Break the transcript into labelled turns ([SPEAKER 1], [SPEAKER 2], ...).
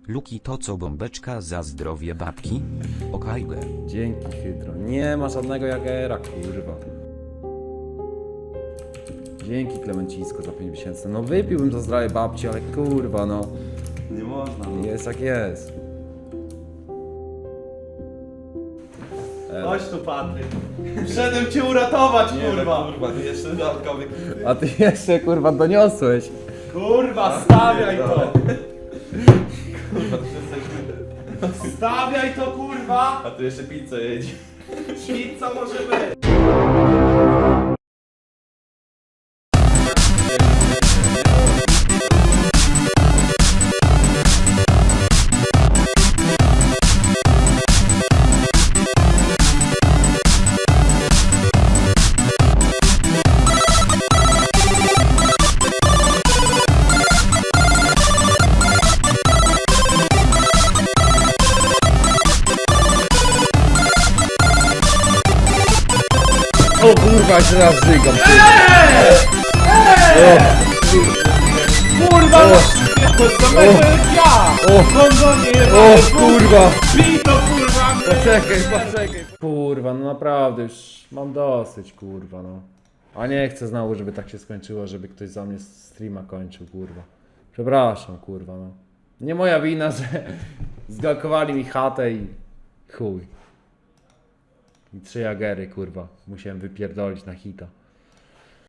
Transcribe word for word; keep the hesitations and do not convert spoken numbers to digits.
[SPEAKER 1] Luki to co bombeczka za zdrowie babki? Okajge.
[SPEAKER 2] Dzięki, Hydro. Nie ma żadnego Jagera, kurwa. Dzięki, Klemencisko, za pięć miesięcy. No wypiłbym za zdrowie babci, ale kurwa, no.
[SPEAKER 3] Nie można. No.
[SPEAKER 2] Jest jak jest.
[SPEAKER 3] Chodź tu, Patryk. Wszedłem cię uratować,
[SPEAKER 4] Nie,
[SPEAKER 3] kurwa.
[SPEAKER 4] no, kurwa, ty jeszcze dodatkowy.
[SPEAKER 2] A ty jeszcze, kurwa, doniosłeś.
[SPEAKER 3] Kurwa, stawiaj to.
[SPEAKER 4] Kurwa, ty jesteś...
[SPEAKER 3] Stawiaj to, kurwa.
[SPEAKER 4] A tu jeszcze pizzę jedzie.
[SPEAKER 3] Pizza może być.
[SPEAKER 2] O kurwa, jeszcze raz żygam.
[SPEAKER 3] Kurwa, no to samego jak ja.
[SPEAKER 2] O,
[SPEAKER 3] Kondonie,
[SPEAKER 2] o kurwa.
[SPEAKER 3] Bij to, kurwa.
[SPEAKER 2] Poczekaj, poczekaj. Kurwa, no naprawdę już mam dosyć, kurwa, no. A nie chcę znowu, żeby tak się skończyło, żeby ktoś za mnie streama kończył, kurwa. Przepraszam, kurwa, no. Nie moja wina, że zgalkowali mi chatę i chuj. I trzy jagery, kurwa. Musiałem wypierdolić na hita.